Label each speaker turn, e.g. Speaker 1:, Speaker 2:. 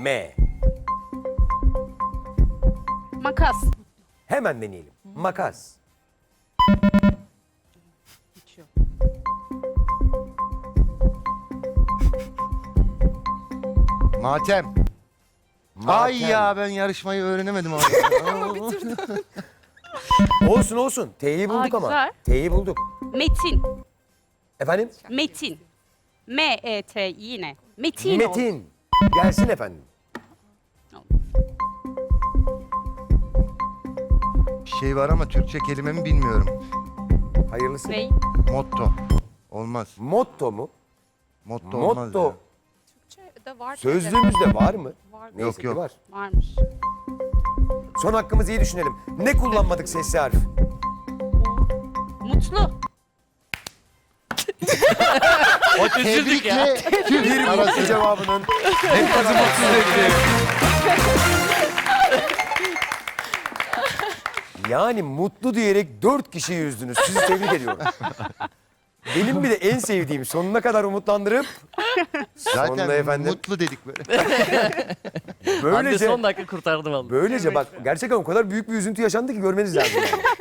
Speaker 1: M.
Speaker 2: Makas.
Speaker 1: Hemen deneyelim. Makas.
Speaker 2: Hiç yok.
Speaker 3: Matem. Ay ya ben yarışmayı öğrenemedim abi.
Speaker 1: Olsun olsun. T'yi bulduk ama.
Speaker 2: güzel.
Speaker 1: T'yi bulduk.
Speaker 2: Metin.
Speaker 1: Efendim?
Speaker 2: Metin. M-E-T yine. Metin. oldu.
Speaker 1: Metin. Gelsin efendim.
Speaker 3: Bir şey var ama Türkçe kelimemi bilmiyorum.
Speaker 1: Hayırlısı.
Speaker 2: Ney?
Speaker 3: Motto. Olmaz.
Speaker 1: Motto mu?
Speaker 3: Motto olmaz
Speaker 1: Motto.
Speaker 3: ya.
Speaker 2: Türkçe'de var.
Speaker 1: Sözlüğümüzde var mı?
Speaker 2: Var.
Speaker 1: Neyse
Speaker 3: Yok,
Speaker 1: ki
Speaker 3: yok.
Speaker 1: var.
Speaker 2: Varmış.
Speaker 1: Son hakkımızı iyi düşünelim. Ne kullanmadık sesli harf?
Speaker 2: Mutlu.
Speaker 3: O tebrikle tüm
Speaker 1: Bir mutlu
Speaker 3: arası.
Speaker 1: cevabının. Yani mutlu diyerek 4 kişiyi üzdünüz. Sizi tebrik ediyorum. Benim bir de en sevdiğim sonuna kadar umutlandırıp
Speaker 3: Zaten
Speaker 1: sonunda efendim
Speaker 3: mutlu dedik böyle.
Speaker 4: Hande
Speaker 1: böylece
Speaker 4: son dakika kurtardı vallahi.
Speaker 1: böylece bak gerçekten o kadar büyük bir üzüntü yaşandı ki görmeniz lazım. Yani.